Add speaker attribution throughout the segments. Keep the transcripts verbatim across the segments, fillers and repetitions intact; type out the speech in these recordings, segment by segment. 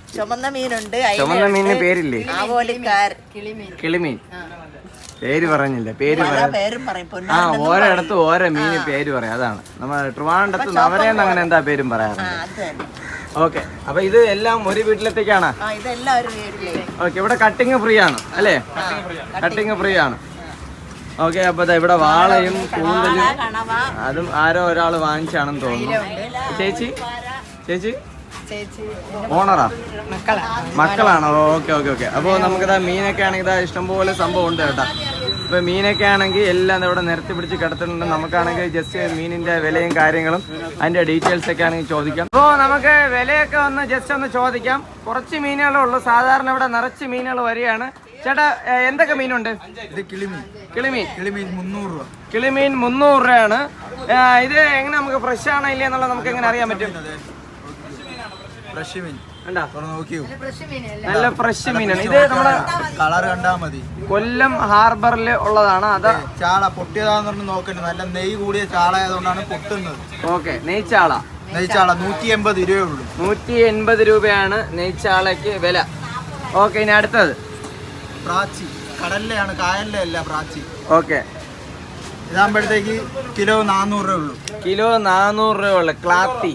Speaker 1: ചുമന്ന മീനുണ്ട്.
Speaker 2: ചുമന്ന മീനിന് പേരില്ലേ?
Speaker 1: കിളിമീൻ.
Speaker 2: പേര് പറഞ്ഞില്ല. പേര് ആ ഓരോയിടത്ത് ഓരോ മീന് പേര് പറയാം. അതാണ് നമ്മൾ ട്രിവാൻഡ്രത്ത് നവരേന്ന് അങ്ങനെ എന്താ പേരും പറയാറുണ്ട്. ഓക്കെ, അപ്പൊ ഇത് എല്ലാം ഒരു വീട്ടിലത്തേക്കാണ്. ഓക്കെ, ഇവിടെ കട്ടിങ് ഫ്രീ ആണ് അല്ലേ? കട്ടിങ് ഫ്രീ ആണ്. ഓക്കെ, അപ്പൊ ഇവിടെ വാളയും കൂന്തലും അതും ആരോ ഒരാൾ വാങ്ങിച്ചാണെന്ന് തോന്നുന്നു. ചേച്ചി ചേച്ചി ഓണറാ? മക്കളാണോ? Okay okay okay. അപ്പോൾ നമുക്കിതാ മീനൊക്കെ ആണെങ്കിൽ ഇതാ ഇഷ്ടംപോലെ സംഭവം ഉണ്ട് കേട്ടോ. ഇപ്പൊ മീനൊക്കെ ആണെങ്കിൽ എല്ലാം ഇവിടെ നിരത്തി പിടിച്ച് കിടത്തിട്ടുണ്ട്. നമുക്കാണെങ്കിൽ ജസ്റ്റ് മീനിന്റെ വിലയും കാര്യങ്ങളും അതിന്റെ ഡീറ്റെയിൽസ് ഒക്കെ ആണെങ്കിൽ ചോദിക്കാം. അപ്പോൾ നമുക്ക് വിലയൊക്കെ ഒന്ന് ജസ്റ്റ് ഒന്ന് ചോദിക്കാം. കുറച്ച് മീനുകളേ ഉള്ളൂ. സാധാരണ ഇവിടെ നിറച്ച് മീനുകൾ വരികയാണ്. ചേട്ടാ, എന്തൊക്കെ മീനുണ്ട്?
Speaker 3: ഇത് കിളിമീൻ.
Speaker 2: കിളിമീൻ
Speaker 3: കിളിമീൻ മുന്നൂറ് രൂപ.
Speaker 2: കിളിമീൻ മുന്നൂറ് രൂപയാണ്. ഇത് എങ്ങനെ നമുക്ക് ഫ്രഷ് ആണോ ഇല്ല എന്നുള്ളത് നമുക്ക് എങ്ങനെ അറിയാൻ പറ്റും?
Speaker 3: ഫ്രഷ് മീൻ
Speaker 2: നോക്കിയോ, നല്ല ഫ്രഷ് മീനാണ്. ഇത് നമ്മുടെ
Speaker 3: കളർ കണ്ടാ മതി.
Speaker 2: കൊല്ലം ഹാർബറിൽ ഉള്ളതാണ്. അത്
Speaker 3: ചാള പൊട്ടിയതാന്ന് പറഞ്ഞ് നോക്കണ്ട. നല്ല നെയ് കൂടിയ ചാള ആയതുകൊണ്ടാണ് പൊട്ടുന്നത്.
Speaker 2: ഓക്കെ, നെയ്ച്ചാള.
Speaker 3: നെയ്ച്ചാള നൂറ്റി എൺപത് രൂപയേ ഉള്ളൂ.
Speaker 2: നൂറ്റി എൺപത് രൂപയാണ് നെയ്ച്ചാളയ്ക്ക് വില. ഓക്കെ, ഇനി അടുത്തത്
Speaker 3: പ്രാച്ചി. കടലിലെയാണ്, കായലിലെ അല്ല പ്രാച്ചി.
Speaker 2: ഓക്കെ,
Speaker 3: ഇതാകുമ്പോഴത്തേക്ക് കിലോ നാനൂറ് രൂപ ഉള്ളൂ.
Speaker 2: കിലോ നാനൂറ് രൂപ ഉള്ളു. ക്ലാത്തി.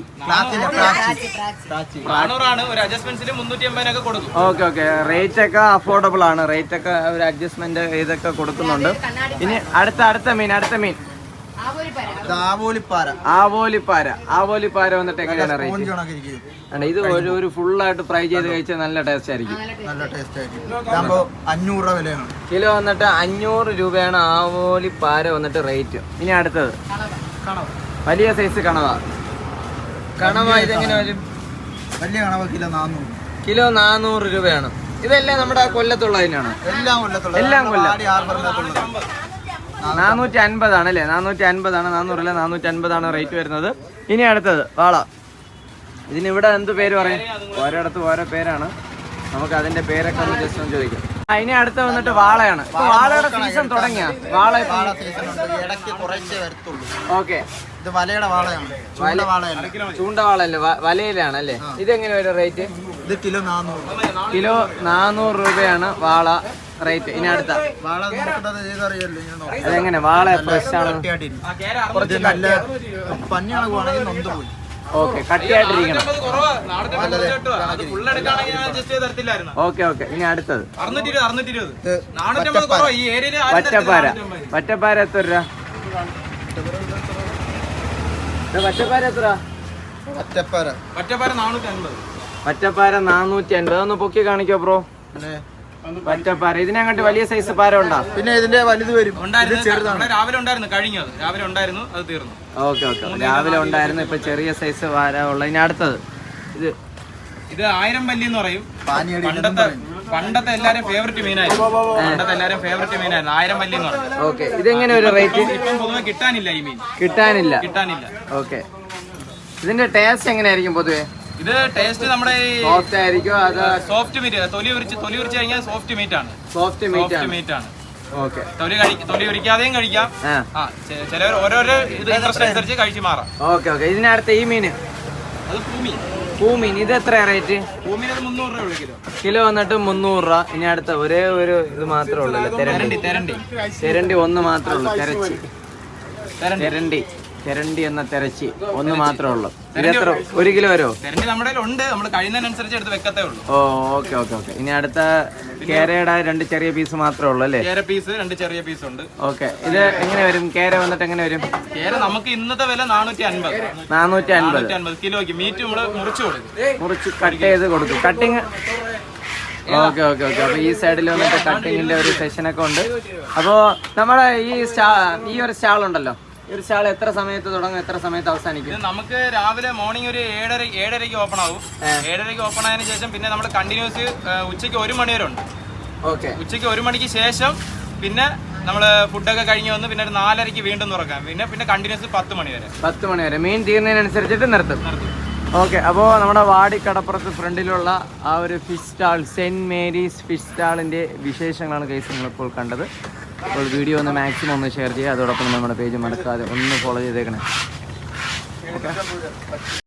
Speaker 2: ഓക്കെ ഓക്കെ, റേറ്റ് ഒക്കെ അഫോർഡബിൾ ആണ്. റേറ്റ് ഒക്കെ ഒരു അഡ്ജസ്റ്റ്മെന്റ് ഇതൊക്കെ കൊടുക്കുന്നുണ്ട്. ഇനി അടുത്ത അടുത്ത മീൻ അടുത്ത മീൻ
Speaker 3: ആവോലിപ്പാര.
Speaker 2: ആവോലിപ്പാര. ആവോലിപ്പാര വന്നിട്ട് എങ്ങനെയാണ് റേറ്റ്? ഇത് ഒരു ഒരു ഫുള്ളായിട്ട് ഫ്രൈ ചെയ്ത് കഴിച്ചാൽ നല്ല ടേസ്റ്റ് ആയിരിക്കും.
Speaker 3: നല്ല ടേസ്റ്റ് ആയിരിക്കും. അഞ്ഞൂറ് രൂപ വിലയാണ്.
Speaker 2: കിലോ വന്നിട്ട് അഞ്ഞൂറ് രൂപയാണ് ആവോലിപ്പാര വന്നിട്ട് റേറ്റ്. ഇനി അടുത്തത് വലിയ സൈസ് കണവ. കണവ ഇതെങ്ങനെ വരും?
Speaker 3: വലിയ കണവ കിലോ നാനൂറ്.
Speaker 2: കിലോ നാനൂറ് രൂപയാണ്. ഇതെല്ലാം നമ്മുടെ കൊല്ലത്തുള്ളതിനാണ്.
Speaker 3: എല്ലാം കൊല്ലത്തുള്ള
Speaker 2: എല്ലാം കൊല്ലം. നാനൂറ്റി അൻപതാണ് അല്ലേ? നാനൂറ്റി അൻപതാണ്. നാനൂറല്ല, നാനൂറ്റി അൻപതാണ് റേറ്റ് വരുന്നത്. ഇനി അടുത്തത് വാള. ഇതിനിവിടെ എന്ത് പേര് പറയും? ഓരോയിടത്ത് ഓരോ പേരാണ്. നമുക്ക് അതിന്റെ പേരൊക്കെ ഒന്ന് ജസ്റ്റ് ഒന്ന് ചോദിക്കാം. ആ, ഇനി അടുത്ത വന്നിട്ട് വാളയാണ്. ഇപ്പൊ വാളയുടെ സീസൺ തുടങ്ങിയ വാള ഓക്കെ.
Speaker 3: ഇത് വലയുടെ വാളയാണ്.
Speaker 2: ചൂണ്ടവാളല്ലേ? വലയിലാണ് അല്ലേ? ഇതെങ്ങനെ വരും റേറ്റ്?
Speaker 3: ഇത് കിലോ നാനൂറ്.
Speaker 2: കിലോ നാനൂറ് രൂപയാണ് വാള റേറ്റ്. ഇനി അടുത്ത അതെങ്ങനെ? വാള ഫ്രഷ് ആണ്. ഓക്കെ, കട്ടിയായിട്ടിരിക്കണം. Okay okay. ഇനി അടുത്തത് വറ്റപ്പാര. വറ്റപ്പാര എത്ര രൂപ? വറ്റപ്പാര എത്ര? വറ്റപ്പാര നാനൂറ്റി അൻപത്. ഒന്ന് പൊക്കി കാണിക്കോ ബ്രോ. വറ്റപ്പാര. ഇതിനങ്ങോട്ട് വലിയ സൈസ് പാര ഉണ്ടോ?
Speaker 3: പിന്നെ ഇതിന്റെ വലുത് വരും.
Speaker 4: രാവിലെ ഉണ്ടായിരുന്നു, കഴിഞ്ഞത് രാവിലെ ഉണ്ടായിരുന്നു, അത് തീർന്നു.
Speaker 2: ഓക്കെ ഓക്കെ, രാവിലെ ഉണ്ടായിരുന്നു. ഇപ്പൊ ചെറിയ സൈസ് പാര ഉള്ള. ഇനി അടുത്തത് ഇത്
Speaker 4: ഇത് ആയിരം പല്ലി എന്ന് പറയും. പണ്ടത്തെ പണ്ടത്തെ എല്ലാരും ഫേവറേറ്റ് മീനായിരുന്നു. പണ്ടത്തെ എല്ലാരും ഫേവറേറ്റ് മീനായിരുന്നു ആയിരം പല്ലി എന്ന് പറയും.
Speaker 2: ഓക്കെ, ഇതെങ്ങനെ ഒരു റേറ്റ്?
Speaker 4: ഇപ്പം പൊതുവെ കിട്ടാനില്ല ഈ മീൻ.
Speaker 2: കിട്ടാനില്ല
Speaker 4: കിട്ടാനില്ല
Speaker 2: ഓക്കെ. ഇതിന്റെ ടേസ്റ്റ് എങ്ങനെയായിരിക്കും പൊതുവെ?
Speaker 4: ഇത് ടേസ്റ്റ് നമ്മുടെ
Speaker 2: സോഫ്റ്റ് ആയിരിക്കും. അത്
Speaker 4: സോഫ്റ്റ് മീറ്റ്. തൊലി ഉരിച്ച് തൊലി ഉരിച്ച് കഴിഞ്ഞാൽ സോഫ്റ്റ് മീറ്റ് ആണ്.
Speaker 2: സോഫ്റ്റ് മീറ്റ്
Speaker 4: മീറ്റ് ആണ്.
Speaker 2: ഓക്കെ,
Speaker 4: തൊലി തൊലി ഉരിക്കാതെയും കഴിക്കാം. ചിലവർ ഓരോരോ ഇത് ഇൻട്രസ്റ്റ് അനുസരിച്ച് കഴിച്ച് മാറാം.
Speaker 2: Okay okay. ഇതിനടുത്ത ഈ മീന്
Speaker 4: അത് പൂമീൻ.
Speaker 2: പൂമീൻ ഇത് എത്ര റേറ്റ്?
Speaker 4: പൂമീൻ അത് മുന്നൂറ് രൂപ കിലോ.
Speaker 2: കിലോ വന്നിട്ട് മുന്നൂറ് രൂപ. ഇനി അടുത്ത ഒരേ ഒരു ഇത് മാത്രമേ ഉള്ളൂ, തെരണ്ടി.
Speaker 4: തെരണ്ടി
Speaker 2: തെരണ്ടി ഒന്ന് മാത്രമേ ഉള്ളൂ. തെരച്ചി. തെരണ്ടി. തെരണ്ടി എന്ന തെരച്ചി ഒന്ന് മാത്രമേ ഉള്ളൂ. ഇതെത്ര? ഒരു കിലോ വരുമോ?
Speaker 4: തെരണ്ടി നമ്മുടെ ഉണ്ട്, നമ്മൾ കഴിയുന്നതിനനുസരിച്ച് എടുത്ത് വെക്കത്തേ ഉള്ളൂ.
Speaker 2: ഓ ഓക്കെ ഓക്കെ ഓക്കെ. ഇനി അടുത്ത കേരയുടെ രണ്ട് ചെറിയ പീസ് മാത്രമേ ഉള്ളൂ അല്ലേ?
Speaker 4: കേര പീസ് രണ്ട് ചെറിയ പീസ് ഉണ്ട്.
Speaker 2: ഓക്കെ, ഇത് എങ്ങനെ വരും? കേര വന്നിട്ട് എങ്ങനെ വരും?
Speaker 4: കേര നമുക്ക് ഇന്നത്തെ വില നാനൂറ്റി അൻപത്.
Speaker 2: നാനൂറ്റി അൻപത്
Speaker 4: അൻപത് കിലോയ്ക്ക്. മീറ്റ് നമ്മള് മുറിച്ചു കൊടുക്കും.
Speaker 2: മുറിച്ച് കട്ട് ചെയ്ത് കൊടുക്കും. കട്ടിങ്. Okay okay okay. അപ്പൊ ഈ സൈഡിൽ വന്നിട്ട് കട്ടിങ്ങിന്റെ ഒരു സെഷനൊക്കെ ഉണ്ട്. അപ്പോ നമ്മുടെ ഈ സ്റ്റാ ഈ ഒരു സ്റ്റാൾ ഉണ്ടല്ലോ, ഈ ഒരു സ്റ്റാൾ എത്ര സമയത്ത് തുടങ്ങും, എത്ര സമയത്ത് അവസാനിക്കും?
Speaker 4: നമുക്ക് രാവിലെ മോർണിംഗ് ഒരു ഏഴര ഏഴരയ്ക്ക് ഓപ്പൺ ആവും. ഏഴരയ്ക്ക് ഓപ്പൺ ആയതിനു ശേഷം പിന്നെ നമ്മൾ കണ്ടിന്യൂസ് ഉച്ചയ്ക്ക് ഒരു മണി വരെ ഉണ്ട്.
Speaker 2: ഓക്കെ,
Speaker 4: ഉച്ചയ്ക്ക് ഒരു മണിക്ക് ശേഷം പിന്നെ നമ്മള് ഫുഡൊക്കെ കഴിഞ്ഞ് വന്ന് പിന്നെ ഒരു നാലരയ്ക്ക് വീണ്ടും തുറക്കാം. പിന്നെ പിന്നെ കണ്ടിന്യൂസ് പത്ത് മണി വരെ.
Speaker 2: പത്ത് മണി വരെ മീൻ തീർന്നതിനനുസരിച്ചിട്ട് നിർത്തും. ഓക്കെ, അപ്പോൾ നമ്മുടെ വാടിക്കടപ്പുറത്ത് ഫ്രണ്ടിലുള്ള ആ ഒരു fish stall, Saint Mary's fish സ്റ്റാളിന്റെ വിശേഷങ്ങളാണ് ഗൈസ് നിങ്ങളിപ്പോൾ കണ്ടത്. അപ്പോൾ വീഡിയോ ഒന്ന് മാക്സിമം ഒന്ന് ഷെയർ ചെയ്യുക. അതോടൊപ്പം നമ്മുടെ പേജ് മറക്കാതെ ഒന്ന് ഫോളോ ചെയ്തേക്കണേ. ഓക്കെ.